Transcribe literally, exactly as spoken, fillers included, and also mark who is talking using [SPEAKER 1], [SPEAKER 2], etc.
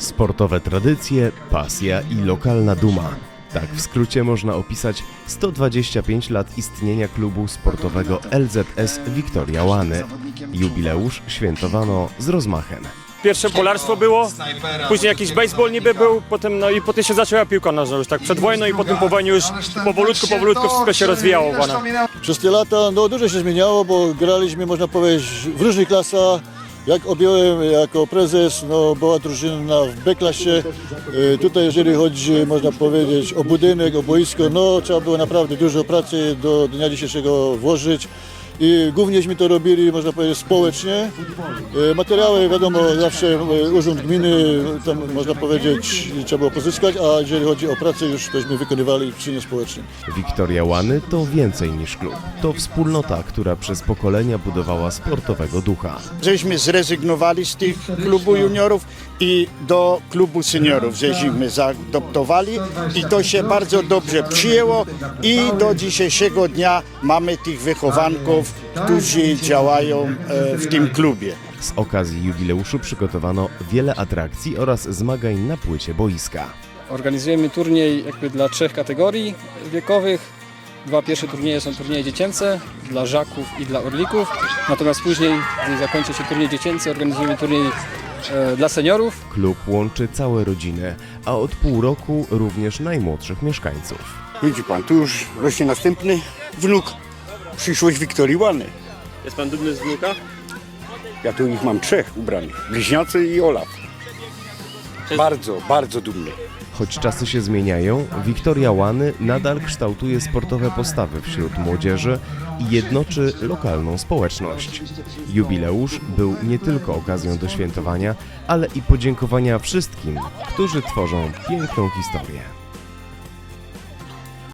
[SPEAKER 1] Sportowe tradycje, pasja i lokalna duma. Tak w skrócie można opisać sto dwadzieścia pięć lat istnienia klubu sportowego L Z S Wiktoria Łany. Jubileusz świętowano z rozmachem.
[SPEAKER 2] Pierwsze polarstwo było, później jakiś baseball niby był, potem, no i potem się zaczęła piłka nożna już tak przed wojną i potem po wojnie już powolutku, powolutku wszystko się rozwijało. Wana.
[SPEAKER 3] Przez te lata no, dużo się zmieniało, bo graliśmy, można powiedzieć, w różnych klasach. Jak objąłem jako prezes, no, była drużyna w B-klasie. E, tutaj jeżeli chodzi, można powiedzieć, o budynek, o boisko, no trzeba było naprawdę dużo pracy do dnia dzisiejszego włożyć. I głównieśmy to robili, można powiedzieć, społecznie. E, materiały, wiadomo, zawsze e, urząd gminy, tam można powiedzieć, trzeba było pozyskać, a jeżeli chodzi o pracę, już tośmy wykonywali w czynie społecznym.
[SPEAKER 1] Wiktoria Łany to więcej niż klub. To wspólnota, która przez pokolenia budowała sportowego ducha.
[SPEAKER 4] Żeśmy zrezygnowali z tych klubu juniorów i do klubu seniorów żeśmy zaadoptowali i to się bardzo dobrze przyjęło i do dzisiejszego dnia mamy tych wychowanków, którzy działają w tym klubie.
[SPEAKER 1] Z okazji jubileuszu przygotowano wiele atrakcji oraz zmagań na płycie boiska.
[SPEAKER 5] Organizujemy turniej jakby dla trzech kategorii wiekowych. Dwa pierwsze turnieje są turnieje dziecięce dla żaków i dla orlików. Natomiast później, gdy zakończy się turniej dziecięcy, organizujemy turniej e, dla seniorów.
[SPEAKER 1] Klub łączy całe rodziny, a od pół roku również najmłodszych mieszkańców.
[SPEAKER 6] Widzi pan, tu już rośnie następny wnuk. Przyszłość Wiktorii Łany.
[SPEAKER 2] Jest pan dumny z wnuka?
[SPEAKER 6] Ja tu ich mam trzech ubranych. Bliźniacy i Olaf. Bardzo, bardzo dumny.
[SPEAKER 1] Choć czasy się zmieniają, Wiktoria Łany nadal kształtuje sportowe postawy wśród młodzieży i jednoczy lokalną społeczność. Jubileusz był nie tylko okazją do świętowania, ale i podziękowania wszystkim, którzy tworzą piękną historię.